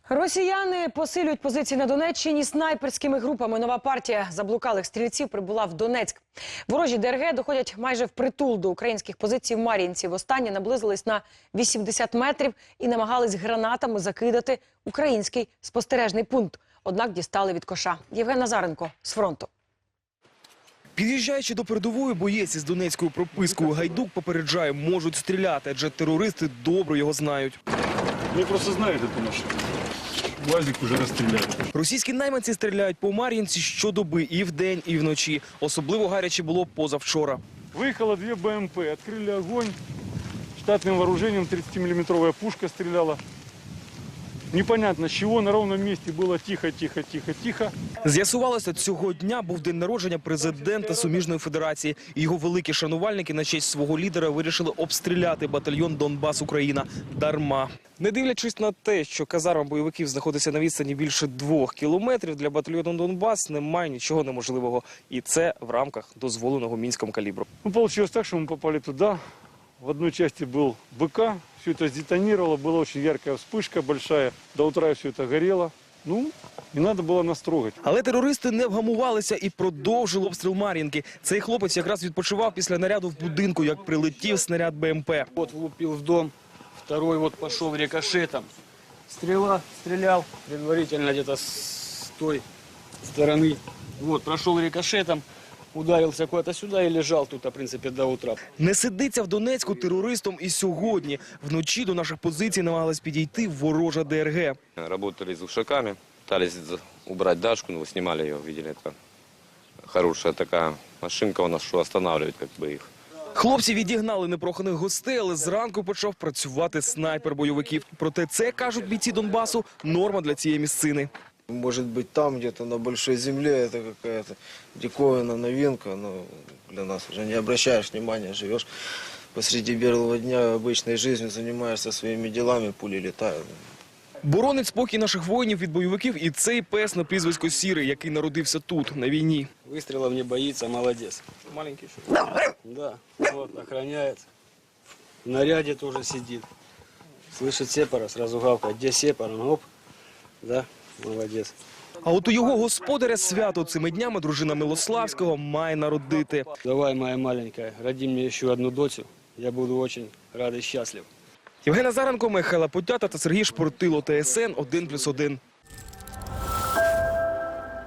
Росіяни посилюють позиції на Донеччині снайперськими групами. Нова партія заблукалих стрільців прибула в Донецьк. Ворожі ДРГ доходять майже впритул до українських позицій в Мар'їнці. Востаннє наблизились на 80 метрів і намагались гранатами закидати український спостережний пункт. Однак дістали від коша. Євген Назаренко з фронту. Під'їжджаючи до передової, боєць із донецькою пропискою Гайдук попереджає, можуть стріляти, адже терористи добре його знають. Вони просто знають цю машину. УАЗик вже розстріляли. Російські найманці стріляють по Мар'їнці щодоби і вдень, і вночі. Особливо гаряче було позавчора. Виїхало 2 БМП, відкрили огонь. Штатним вооруженням 30-мм пушка стріляла. Непонятно, з чого, на ровному місці було тихо, тихо, тихо, тихо. З'ясувалося, цього дня був день народження президента Суміжної Федерації. І його великі шанувальники на честь свого лідера вирішили обстріляти батальйон «Донбас-Україна» дарма. Не дивлячись на те, що казарма бойовиків знаходиться на відстані більше 2 кілометрів, для батальйону «Донбас» немає нічого неможливого. І це в рамках дозволеного Мінськом калібру. Получилось так, що ми попали туди. В одной части был БК, все это сдетонировало, была очень яркая вспышка большая, до утра все это горело. Ну, не надо было нас трогать. Але терористи не вгамувалися і продовжили обстріл Мар'їнки. Цей хлопець якраз відпочивав після наряду в будинку, як прилетів снаряд БМП. Вот влупил в дом, второй вот пошел рикошетом. Стрела, стрелял предварительно где-то с той стороны. Вот, прошел рикошетом. Ударився куда-то сюди і лежав тут, в принципі, до утра. Не сидиться в Донецьку терористом і сьогодні. Вночі до наших позицій намагалась підійти ворожа ДРГ. Работали с ушаками, пытались убрать Дашку, но вы снимали ее, видели, это хорошая такая машинка у нас, что останавливает как бы их. Хлопці відігнали непроханих гостей, але зранку почав працювати снайпер бойовиків. Проте це, кажуть бійці Донбасу, норма для цієї місцини. Может быть, там где-то на большой земле это какая-то диковинная новинка, но для нас уже не обращаешь внимания, живешь посреди белого дня обычной жизнью, занимаешься своими делами, пули летают. Боронить спокій наших воїнів від бойовиків і цей пес на прізвисько Сірий, який народився тут, на війні. Выстрелов не боится, молодец. Маленький що? Да, вот, охраняет. В наряде тоже сидит. Слышит сепара, сразу гавкает. Где сепар? Он, оп, да, молодец. А от у його господаря свято цими днями дружина Милославського має народити. Давай, моя маленькая, роди мне еще одну дочь. Я буду очень рад и счастлив. Євген Назаренко, Михайло Потята та Сергій Шпортило, ТСН 1+1.